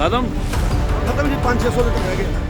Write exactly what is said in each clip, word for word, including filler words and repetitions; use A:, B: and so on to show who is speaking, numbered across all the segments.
A: खत्म
B: खत्म जी, पाँच छः सौ लीटर रह गए।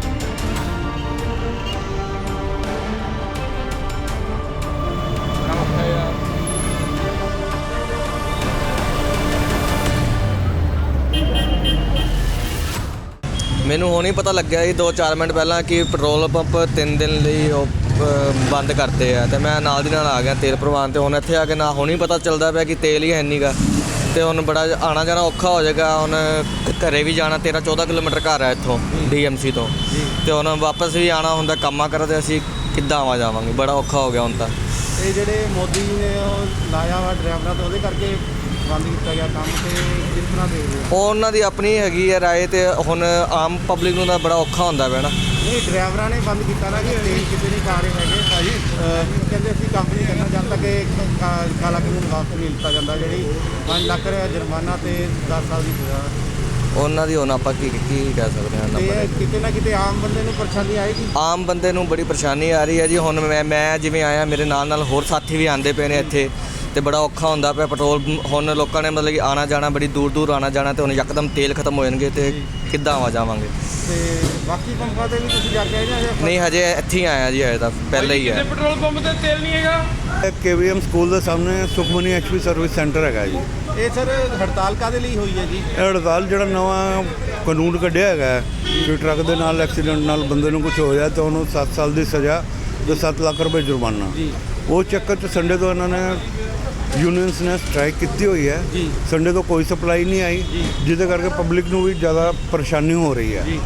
C: ਮੈਨੂੰ ਹੁਣ ਹੀ ਪਤਾ ਲੱਗਿਆ ਜੀ ਦੋ ਚਾਰ ਮਿੰਟ ਪਹਿਲਾਂ ਕਿ ਪੈਟਰੋਲ ਪੰਪ ਤਿੰਨ ਦਿਨ ਲਈ ਉਹ ਅ, ਬੰਦ ਕਰਤੇ ਆ ਤੇ ਮੈਂ ਨਾਲ ਦੀ ਨਾਲ ਆ ਗਿਆ ਤੇਲ ਭਰਵਾਉਣ ਤੇ ਹੁਣ ਇੱਥੇ ਆ ਕੇ ਨਾ ਹੁਣ ਹੀ ਪਤਾ ਚੱਲਦਾ ਪਿਆ ਕਿ ਤੇਲ ਹੀ ਹੈ ਨੀਗਾ ਤੇ ਹੁਣ ਬੜਾ ਆਣਾ ਜਾਣਾ ਔਖਾ ਹੋ ਜਾਏਗਾ। ਹੁਣ ਘਰੇ ਵੀ ਜਾਣਾ ਤੇਰਾਂ ਚੌਦਾਂ ਕਿਲੋਮੀਟਰ ਘਰ ਹੈ ਇੱਥੋਂ ਡੀ ਐਮ ਸੀ ਤੋਂ ਤੇ ਹੁਣ ਵਾਪਸ ਵੀ ਆਣਾ ਹੁੰਦਾ ਕੰਮਾਂ ਕਰ ਤੇ ਅਸੀਂ ਕਿੱਦਾਂ ਆਵਾ ਜਾਵਾਂਗੇ, ਬੜਾ ਔਖਾ ਹੋ ਗਿਆ ਹੁਣ ਤਾਂ।
B: ਇਹ ਜਿਹੜੇ ਮੋਦੀ ਜੀ ਨੇ ਉਹ ਲਾਇਆ ਵਾ ਡਰਾਈਵਰਾਂ ਤੋਂ, ਉਹਦੇ ਕਰਕੇ ਬੰਦ ਕੀਤਾ ਗਿਆ ਕੰਮ, ਤੇ ਕਿਸ ਤਰ੍ਹਾਂ ਦੇਖਦੇ ਹੋ?
C: ਉਹ ਉਹਨਾਂ ਦੀ ਆਪਣੀ ਹੈਗੀ ਹੈ ਰਾਏ ਤੇ ਹੁਣ ਆਮ ਪਬਲਿਕ ਨੂੰ ਤਾਂ ਬੜਾ ਔਖਾ ਹੁੰਦਾ ਪਿਆ ਨਾ।
B: ਨਹੀਂ, ਡਰਾਈਵਰਾਂ ਨੇ ਬੰਦ ਕੀਤਾ ਨਾ ਕਿ ਤੇਲ ਕਿਤੇ ਨਹੀਂ ਖਾ ਰਹੇ ਹੈਗੇ ਭਾਜੀ। ਕਹਿੰਦੇ ਅਸੀਂ ਕੰਮ ਨਹੀਂ ਕਰਨਾ ਜਦ ਤੱਕ ਇਹ ਕਾ- ਕਾਲਾ ਕਾਨੂੰਨ ਵਾਪਸ ਨਹੀਂ ਲਿੱਤਾ ਜਾਂਦਾ, ਜਿਹੜੀ ਪੰਜ ਲੱਖ ਰੁਪਏ ਜੁਰਮਾਨਾ ਤੇ ਦਸ ਸਾਲ ਦੀ ਸਜ਼ਾ।
C: ਉਹਨਾਂ ਦੀ ਹੁਣ ਆਪਾਂ ਕੀ ਕੀ ਕਹਿ ਸਕਦੇ ਹਾਂ ਉਹਨਾਂ
B: ਤੇ
C: ਬਾਰੇ।
B: ਕਿਤੇ ਨਾ ਕਿਤੇ ਆਮ ਬੰਦੇ ਨੂੰ ਪਰੇਸ਼ਾਨੀ ਆਏਗੀ।
C: ਆਮ ਬੰਦੇ ਨੂੰ ਬੜੀ ਪਰੇਸ਼ਾਨੀ ਆ ਰਹੀ ਹੈ ਜੀ। ਹੁਣ ਮੈਂ ਮੈਂ ਜਿਵੇਂ ਆਇਆ, ਮੇਰੇ ਨਾਲ ਨਾਲ ਹੋਰ ਸਾਥੀ ਵੀ ਆਉਂਦੇ ਪਏ ਨੇ ਇੱਥੇ ਤੇ ਬੜਾ ਔਖਾ ਹੁੰਦਾ ਪਿਆ। ਪੈਟਰੋਲ ਹੁਣ ਲੋਕਾਂ ਨੇ ਮਤਲਬ ਕਿ ਆਣਾ ਜਾਣਾ ਬੜੀ ਦੂਰ ਦੂਰ ਆਣਾ ਜਾਣਾ ਤੇ ਹੁਣ ਯਕਦਮ ਤੇਲ ਖਤਮ ਹੋ ਜਾਣਗੇ ਤੇ ਕਿੱਦਾਂ ਆਵਾ ਜਾਵਾਂਗੇ।
B: ਤੇ ਬਾਕੀ ਪੰਪਾਂ ਤੇ ਵੀ ਤੁਸੀਂ ਜਾ ਕੇ ਆਏ ਜਾਂ ਹਜੇ?
C: ਨਹੀਂ ਹਜੇ ਇੱਥੇ ਹੀ ਆਇਆ ਜੀ, ਹਜੇ ਤਾਂ ਪਹਿਲੇ ਹੀ ਹੈ।
A: पेट्रोल पंप ਤੇ ਤੇਲ ਨਹੀਂ ਹੈਗਾ।
D: ਕੇ ਵੀ ਐਮ ਸਕੂਲ ਦੇ ਸਾਹਮਣੇ Sukhmani H P service centre ਹੈਗਾ ਜੀ।
B: ਇਹ ਸਰ ਹੜਤਾਲ ਕਾਹਦੇ ਲਈ ਹੋਈ ਹੈ ਜੀ?
D: ਇਹ ਹੜਤਾਲ ਜਿਹੜਾ ਨਵਾਂ ਕਾਨੂੰਨ ਕੱਢਿਆ ਹੈਗਾ ਕਿ ਟਰੱਕ ਦੇ ਨਾਲ ਐਕਸੀਡੈਂਟ ਨਾਲ ਬੰਦੇ ਨੂੰ ਕੁਝ ਹੋ ਜਾਏ ਤਾਂ ਉਹਨੂੰ ਸੱਤ ਸਾਲ ਦੀ ਸਜ਼ਾ ਤੇ ਸੱਤ ਲੱਖ ਰੁਪਏ ਜੁਰਮਾਨਾ।
B: ਜੀ।
D: ਉਹ ਚੱਕਰ 'ਚ ਸੰਡੇ ਤੋਂ ਇਹਨਾਂ ਨੇ ਯੂਨੀਅਨਸ ਨੇ ਸਟ੍ਰਾਈਕ ਕੀਤੀ ਹੋਈ ਹੈ।
B: ਜੀ।
D: ਸੰਡੇ ਤੋਂ ਕੋਈ ਸਪਲਾਈ ਨਹੀਂ ਆਈ, ਜਿਹਦੇ ਕਰਕੇ ਪਬਲਿਕ ਨੂੰ ਵੀ ਜ਼ਿਆਦਾ ਪਰੇਸ਼ਾਨੀ ਹੋ ਰਹੀ ਹੈ।
B: ਜੀ।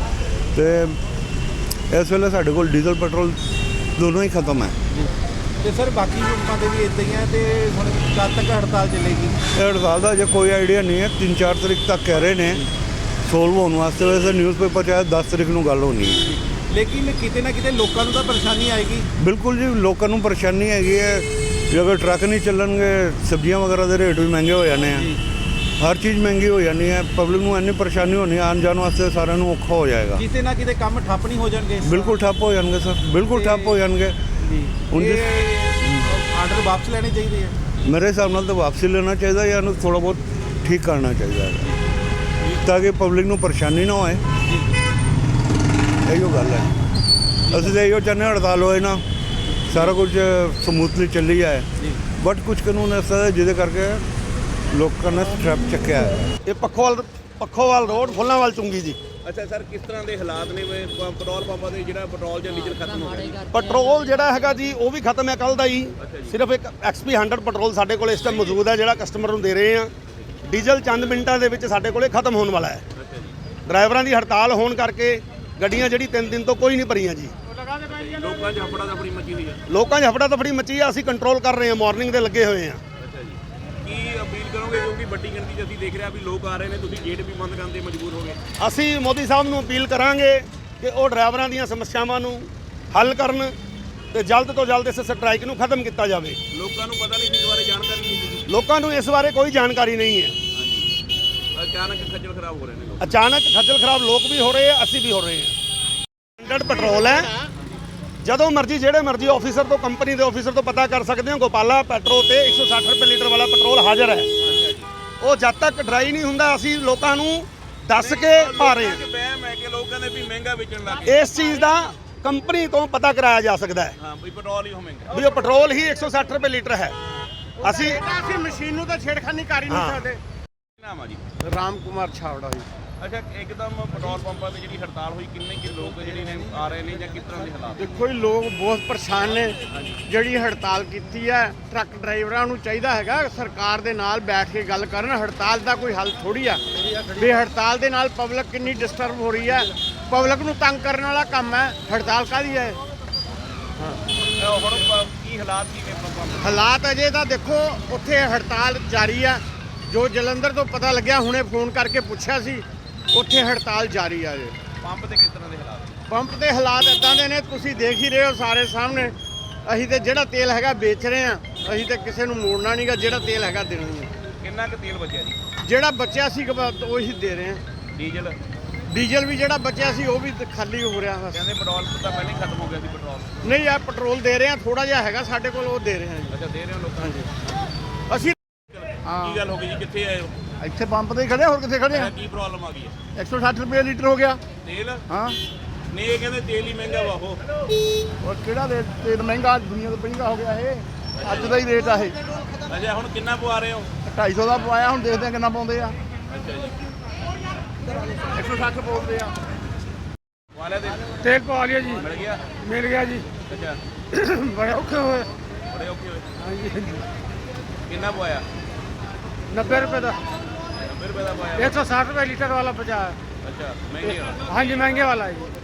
D: ਤੇ ਇਸ ਵੇਲੇ ਸਾਡੇ ਕੋਲ ਡੀਜ਼ਲ ਪੈਟਰੋਲ ਦੋਨੋਂ ਹੀ ਖਤਮ ਹੈ।
B: ਜੀ। ਤੇ ਸਰ ਬਾਕੀ ਪੰਪਾਂ ਤੇ ਵੀ ਇੱਦਾਂ ਹੀ ਹੈ, ਤੇ ਹੁਣ ਕਦ ਤੱਕ ਹੜਤਾਲ ਚੱਲੇਗੀ?
D: ਇਹ ਹੜਤਾਲ ਦਾ ਅਜੇ ਕੋਈ ਆਈਡੀਆ ਨਹੀਂ ਹੈ। ਤਿੰਨ ਚਾਰ ਤਰੀਕ ਤੱਕ ਕਹਿ ਰਹੇ ਨੇ ਸੋਲਵ ਹੋਣ ਵਾਸਤੇ। ਵੈਸੇ ਨਿਊਜ਼ਪੇਪਰ 'ਚ ਆਇਆ ਦਸ ਤਰੀਕ ਨੂੰ ਗੱਲ ਹੋਣੀ ਹੈ।
B: ਲੇਕਿਨ ਕਿਤੇ ਨਾ ਕਿਤੇ ਲੋਕਾਂ ਨੂੰ ਤਾਂ ਪਰੇਸ਼ਾਨੀ ਆਏਗੀ।
D: ਬਿਲਕੁਲ ਜੀ, ਲੋਕਾਂ ਨੂੰ ਪਰੇਸ਼ਾਨੀ ਹੈਗੀ ਹੈ। ਜੇ ਅਗਰ ਟਰੱਕ ਨਹੀਂ ਚੱਲਣਗੇ, ਸਬਜ਼ੀਆਂ ਵਗੈਰਾ ਦੇ ਰੇਟ ਵੀ ਮਹਿੰਗੇ ਹੋ ਜਾਣੇ ਆ, ਹਰ ਚੀਜ਼ ਮਹਿੰਗੀ ਹੋ ਜਾਣੀ ਹੈ। ਪਬਲਿਕ ਨੂੰ ਇੰਨੀ ਪਰੇਸ਼ਾਨੀ ਹੋਣੀ, ਆਉਣ ਜਾਣ ਵਾਸਤੇ ਸਾਰਿਆਂ ਨੂੰ ਔਖਾ ਹੋ ਜਾਏਗਾ।
B: ਕਿਤੇ ਨਾ ਕਿਤੇ ਕੰਮ ਠੱਪ ਨਹੀਂ ਹੋ ਜਾਣਗੇ?
D: ਬਿਲਕੁਲ ਠੱਪ ਹੋ ਜਾਣਗੇ ਸਰ, ਬਿਲਕੁਲ ਠੱਪ ਹੋ ਜਾਣਗੇ।
B: ਜੀ।
D: ਹੁਣ ਜਿਸ-
B: ਆਰਡਰ ਵਾਪਸ ਲੈਣੇ ਚਾਹੀਦੇ ਆ।
D: ਮੇਰੇ ਹਿਸਾਬ ਨਾਲ ਤਾਂ ਵਾਪਸੀ ਲੈਣਾ ਚਾਹੀਦਾ ਜਾਂ ਇਹਨੂੰ ਥੋੜ੍ਹਾ ਬਹੁਤ ਠੀਕ ਕਰਨਾ ਚਾਹੀਦਾ ਹੈ ਤਾਂ ਕਿ ਪਬਲਿਕ ਨੂੰ ਪਰੇਸ਼ਾਨੀ ਨਾ ਹੋਏ। ਇਹੋ ਗੱਲ ਹੈ। ਅਸੀਂ ਤਾਂ ਇਹੋ ਚਾਹੁੰਦੇ ਹਾਂ ਹੜਤਾਲ ਹੋਏ ਨਾ, ਸਾਰਾ ਕੁਝ ਸਮੂਥਲੀ ਚੱਲੀ ਜਾਏ। ਬਟ ਕੁਝ ਕਾਨੂੰਨ ਐਸਾ ਹੈ ਜਿਹਦੇ ਕਰਕੇ ਲੋਕਾਂ ਨੇ ਸਟ੍ਰੈਪ ਚੱਕਿਆ ਹੈ।
E: ਇਹ ਪੱਖੋਵਾਲ ਪੱਖੋਵਾਲ ਰੋਡ ਫੁੱਲਾਂਵਾਲ ਚੁੰਗੀ ਜੀ।
A: ਅੱਛਾ ਸਰ, ਕਿਸ ਤਰ੍ਹਾਂ ਦੇ ਹਾਲਾਤ ਨੇ ਵੇ ਪੈਟਰੋਲ ਪੰਪਾਂ ਦੇ ਜਿਹੜਾ ਪੈਟਰੋਲ ਜਾਂ ਡੀਜ਼ਲ ਖਤਮ ਹੋ ਗਿਆ?
E: ਪੈਟਰੋਲ ਜਿਹੜਾ ਹੈਗਾ ਜੀ ਉਹ ਵੀ ਖਤਮ ਹੈ ਕੱਲ ਦਾ ਹੀ। ਸਿਰਫ ਇੱਕ ਐਕਸਪੀ ਹੰਡਰਡ ਪੈਟਰੋਲ ਸਾਡੇ ਕੋਲ ਇਸ ਟਾਈਮ ਮੌਜੂਦ ਹੈ, ਜਿਹੜਾ ਕਸਟਮਰ ਨੂੰ ਦੇ ਰਹੇ ਆ। ਡੀਜ਼ਲ ਚੰਦ ਮਿੰਟਾਂ ਦੇ ਵਿੱਚ ਸਾਡੇ ਕੋਲੇ ਖਤਮ ਹੋਣ ਵਾਲਾ ਹੈ। ਡਰਾਈਵਰਾਂ ਦੀ ਹੜਤਾਲ ਹੋਣ ਕਰਕੇ ਗੱਡੀਆਂ ਜਿਹੜੀ ਤਿੰਨ ਦਿਨ ਤੋਂ ਕੋਈ ਨਹੀਂ ਭਰੀਆਂ ਜੀ।
A: ਲੋਕਾਂ 'ਚ ਹਫੜਾ ਦਫੜੀ ਮੱਚੀ ਹੋਈ ਹੈ।
E: ਲੋਕਾਂ 'ਚ ਹਫੜਾ ਦਫੜੀ ਮੱਚੀ ਆ। ਅਸੀਂ ਕੰਟਰੋਲ ਕਰ ਰਹੇ ਹਾਂ, ਮਾਰਨਿੰਗ ਦੇ ਲੱਗੇ ਹੋਏ ਆ।
A: ਅੱਛਾ ਜੀ, ਕੀ ਅਪੀਲ ਕਰੋਗੇ? ਕਿਉਂਕਿ ਵੱਡੀ ਗਿਣਤੀ 'ਚ ਅਸੀਂ ਦੇਖ ਰਿਹਾ ਵੀ ਲੋਕ ਆ ਰਹੇ ਨੇ, ਤੁਸੀਂ ਗੇਟ ਵੀ ਬੰਦ ਕਰਨ ਦੇ ਮਜਬੂਰ ਹੋ ਗਏ।
E: ਅਸੀਂ ਮੋਦੀ ਸਾਹਿਬ ਨੂੰ ਅਪੀਲ ਕਰਾਂਗੇ ਕਿ ਉਹ ਡਰਾਈਵਰਾਂ ਦੀਆਂ ਸਮੱਸਿਆਵਾਂ ਨੂੰ ਹੱਲ ਕਰਨ ਤੇ ਜਲਦ ਤੋਂ ਜਲਦ ਇਸ ਸਟ੍ਰਾਈਕ ਨੂੰ ਖਤਮ ਕੀਤਾ ਜਾਵੇ।
A: ਲੋਕਾਂ ਨੂੰ ਪਤਾ ਨਹੀਂ ਸੀ, ਇਸ ਬਾਰੇ ਜਾਣਕਾਰੀ ਨਹੀਂ ਸੀ।
E: ਲੋਕਾਂ ਨੂੰ ਇਸ ਬਾਰੇ ਕੋਈ ਜਾਣਕਾਰੀ ਨਹੀਂ ਹੈ।
A: ਅਚਾਨਕ ਖੱਜਲ ਖਰਾਬ ਹੋ ਰਹੇ ਨੇ ਲੋਕ।
E: ਅਚਾਨਕ ਖੱਜਲ ਖਰਾਬ ਲੋਕ ਵੀ ਹੋ ਰਹੇ ਆ, ਅਸੀਂ ਵੀ ਹੋ ਰਹੇ ਹਾਂ। ਹੰਡਰਡ ਪੈਟਰੋਲ ਹੈ, ਜਦੋਂ ਮਰਜ਼ੀ ਜਿਹੜੇ ਮਰਜ਼ੀ ਆਫੀਸਰ ਤੋਂ, ਕੰਪਨੀ ਦੇ ਆਫੀਸਰ ਤੋਂ ਪਤਾ ਕਰ ਸਕਦੇ ਹੋ। ਗੋਪਾਲਾ ਪੈਟਰੋ ਤੇ ਇੱਕ ਸੌ ਸੱਠ ਰੁਪਏ ਲੀਟਰ ਵਾਲਾ ਪੈਟਰੋਲ ਹਾਜ਼ਰ ਹੈ। ਉਹ ਜਦ ਤੱਕ ਡਰਾਈ ਨਹੀਂ ਹੁੰਦਾ ਅਸੀਂ ਲੋਕਾਂ ਨੂੰ ਦੱਸ ਕੇ ਪਾ ਰਹੇ ਹਾਂ।
A: ਬਹਿਮ ਹੈ ਕਿ ਲੋਕ ਕਹਿੰਦੇ ਵੀ ਮਹਿੰਗਾ ਵੇਚਣ ਲੱਗ ਗਏ।
E: ਇਸ ਚੀਜ਼ ਦਾ ਕੰਪਨੀ ਤੋਂ ਪਤਾ ਕਰਾਇਆ ਜਾ ਸਕਦਾ ਹੈ
A: ਹਾਂ ਵੀ ਪੈਟਰੋਲ ਹੀ ਹੋ ਮਹਿੰਗਾ।
E: ਵੀ ਉਹ ਪੈਟਰੋਲ ਹੀ ਇੱਕ ਸੌ ਸੱਠ ਰੁਪਏ ਲੀਟਰ ਹੈ। ਅਸੀਂ
B: ਅਸੀਂ ਮਸ਼ੀਨ ਨੂੰ ਤਾਂ ਛੇੜਖਾਨੀ ਕਰ ਹੀ
E: ਨਹੀਂ
B: ਸਕਦੇ।
A: ਨਾਮ ਆ ਜੀ?
B: ਰਾਮ ਕੁਮਾਰ ਛਾਵੜਾ ਜੀ।
A: ਅੱਛਾ, ਇੱਕਦਮ ਪੈਟਰੋਲ ਪੰਪਾਂ ਤੇ ਜਿਹੜੀ ਹੜਤਾਲ ਹੋਈ, ਕਿੰਨੇ ਕਿ ਲੋਕ ਜਿਹੜੇ ਨੇ ਆ ਰਹੇ ਨੇ ਜਾਂ ਕਿਸ ਤਰ੍ਹਾਂ ਦੇ ਹਾਲਾਤ?
F: ਦੇਖੋ ਜੀ, ਲੋਕ ਬਹੁਤ ਪਰੇਸ਼ਾਨ ਨੇ। ਜਿਹੜੀ ਹੜਤਾਲ ਕੀਤੀ ਹੈ, ਟਰੱਕ ਡਰਾਈਵਰਾਂ ਨੂੰ ਚਾਹੀਦਾ ਹੈਗਾ ਸਰਕਾਰ ਦੇ ਨਾਲ ਬੈਠ ਕੇ ਗੱਲ ਕਰਨ। ਹੜਤਾਲ ਦਾ ਕੋਈ ਹੱਲ ਥੋੜੀ ਆ ਵੀ ਹੜਤਾਲ ਦੇ ਨਾਲ ਪਬਲਿਕ ਕਿੰਨੀ ਡਿਸਟਰਬ ਹੋ ਰਹੀ ਹੈ। ਪਬਲਿਕ ਨੂੰ ਤੰਗ ਕਰਨ ਵਾਲਾ ਕੰਮ ਹੈ, ਹੜਤਾਲ ਕਾਹਦੀ ਹੈ?
A: ਹੁਣ ਕੀ ਹਾਲਾਤ ਕੀ ਨੇ ਪੰਪਾਂ ਦੇ?
F: ਹਾਲਾਤ ਅਜੇ ਤਾਂ ਦੇਖੋ ਉੱਥੇ ਹੜਤਾਲ ਜਾਰੀ ਆ। ਜੋ ਜਲੰਧਰ ਤੋਂ ਪਤਾ ਲੱਗਿਆ, ਹੁਣੇ ਫੋਨ ਕਰਕੇ ਪੁੱਛਿਆ ਸੀ, ਉੱਥੇ ਹੜਤਾਲ ਜਾਰੀ ਆ ਜੇ।
A: ਪੰਪ ਤੇ ਕਿਸ ਤਰ੍ਹਾਂ ਦੇ ਹਾਲਾਤ?
F: ਪੰਪ ਦੇ ਹਾਲਾਤ ਇਦਾਂ ਦੇ ਨੇ, ਤੁਸੀਂ ਦੇਖ ਹੀ ਰਹੇ ਹੋ ਸਾਰੇ ਸਾਹਮਣੇ। ਅਸੀਂ ਤੇ ਜਿਹੜਾ ਤੇਲ ਹੈਗਾ ਵੇਚ ਰਹੇ ਆ, ਅਸੀਂ ਤੇ ਕਿਸੇ ਨੂੰ ਮੋੜਨਾ ਨਹੀਂਗਾ। ਜਿਹੜਾ ਤੇਲ ਹੈਗਾ ਦੇਣਾ ਹੀ ਹੈ।
A: ਕਿੰਨਾ ਕੁ ਤੇਲ ਬਚਿਆ ਜੀ?
F: ਜਿਹੜਾ ਬਚਿਆ ਸੀ ਉਹੀ ਦੇ ਰਹੇ ਆ।
A: ਡੀਜ਼ਲ
F: ਡੀਜ਼ਲ ਵੀ ਜਿਹੜਾ ਬਚਿਆ ਸੀ ਉਹ ਵੀ ਖਾਲੀ ਹੋ ਰਿਹਾ ਬਸ।
A: ਕਹਿੰਦੇ ਪੈਟਰੋਲ ਤਾਂ ਪਹਿਲਾਂ ਹੀ ਖਤਮ ਹੋ ਗਿਆ ਸੀ ਪੈਟਰੋਲ।
F: ਨਹੀਂ, ਆ ਪੈਟਰੋਲ ਦੇ ਰਹੇ ਆ, ਥੋੜਾ ਜਿਹਾ ਹੈਗਾ ਸਾਡੇ ਕੋਲ, ਉਹ ਦੇ ਰਹੇ ਆ ਜੀ।
A: ਅੱਛਾ, ਦੇ ਰਹੇ ਹੋ ਲੋਕਾਂ ਨੂੰ?
F: ਅਸੀਂ
A: ਕੀ ਗੱਲ ਹੋ ਗਈ ਜੀ? ਕਿੱਥੇ ਆਏ ਹੋ?
F: ਇੱਥੇ ਪੰਪ ਤੇ ਹੀ ਖੜੇ ਆ, ਹੋਰ ਕਿੱਥੇ ਖੜੇ ਆ?
A: ਕੀ ਪ੍ਰੋਬਲਮ ਆ ਗਈ ਹੈ?
F: ਇੱਕ ਸੌ ਸੱਠ ਰੁਪਏ ਲੀਟਰ ਹੋ ਗਿਆ।
A: ਤੇਲ
F: ਹਾਂ
A: ਨੇ ਇਹ ਕਹਿੰਦੇ ਤੇਲ ਹੀ ਮਹਿੰਗਾ ਵਾ ਉਹ।
F: ਔਰ ਕਿਹੜਾ ਰੇਟ ਤੇਲ ਮਹਿੰਗਾ, ਦੁਨੀਆ ਤੋਂ ਮਹਿੰਗਾ ਹੋ ਗਿਆ ਇਹ, ਅੱਜ ਦਾ ਹੀ ਰੇਟ ਆ ਇਹ।
A: ਅੱਛਾ ਹੁਣ ਕਿੰਨਾ ਪਵਾ ਰਹੇ ਹੋ?
F: ਢਾਈ ਸੌ ਦਾ ਪਵਾਇਆ, ਹੁਣ ਦੇਖਦੇ ਆ ਕਿੰਨਾ ਪਾਉਂਦੇ ਆ।
A: ਅੱਛਾ ਜੀ
F: ਇੱਕ ਸੌ ਸੱਠ ਪਾਉਂਦੇ ਆ।
A: ਵਾਲੇ ਦੇ
E: ਤੇਲ ਪਵਾ ਲਿਆ ਜੀ,
A: ਮਿਲ ਗਿਆ?
E: ਮਿਲ ਗਿਆ ਜੀ।
A: ਅੱਛਾ
E: ਬੜੇ ਔਖੇ ਹੋਏ।
A: ਬੜੇ ਔਖੇ ਹੋਏ।
E: ਹਾਂਜੀ
A: ਕਿੰਨਾ ਪਵਾਇਆ?
E: ਨੱਬੇ ਰੁਪਏ ਦਾ,
A: ਨੱਬੇ ਰੁਪਏ ਦਾ ਪਵਾਇਆ।
E: ਇੱਕ ਸੌ ਸੱਠ ਰੁਪਏ ਲੀਟਰ ਵਾਲਾ ਪਹੁੰਚਾਇਆ।
A: ਅੱਛਾ ਮਹਿੰਗੇ ਆ।
E: ਹਾਂਜੀ ਮਹਿੰਗੇ ਵਾਲਾ ਹੈ ਜੀ।